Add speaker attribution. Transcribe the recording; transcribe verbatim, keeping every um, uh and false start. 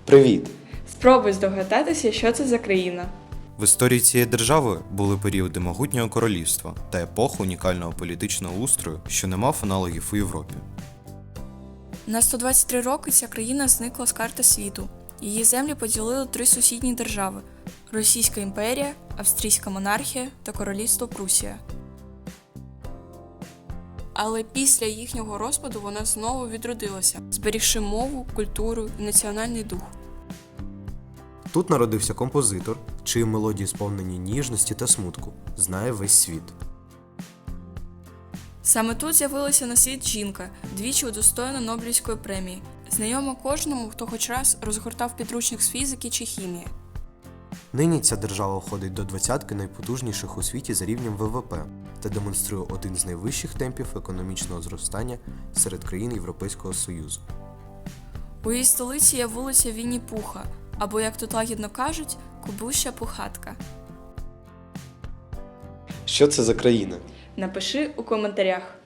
Speaker 1: Привіт!
Speaker 2: Спробуй здогадатися, що це за країна.
Speaker 3: В історії цієї держави були періоди могутнього королівства та епоха унікального політичного устрою, що не мав аналогів у Європі.
Speaker 4: На сто двадцять три роки ця країна зникла з карти світу. Її землі поділили три сусідні держави – Російська імперія, Австрійська монархія та Королівство Прусія. Але після їхнього розпаду вона знову відродилася, зберігши мову, культуру і національний дух.
Speaker 5: Тут народився композитор, чиї мелодії сповнені ніжності та смутку, знає весь світ.
Speaker 4: Саме тут з'явилася на світ жінка, двічі удостоєна Нобелівської премії, знайома кожному, хто хоч раз розгортав підручник з фізики чи хімії.
Speaker 5: Нині ця держава входить до двадцятки найпотужніших у світі за рівнем ВВП та демонструє один з найвищих темпів економічного зростання серед країн Європейського Союзу.
Speaker 4: У її столиці є вулиця Вінні-Пуха, або, як тут лагідно кажуть, Кубуща Пухатка.
Speaker 1: Що це за країна?
Speaker 2: Напиши у коментарях.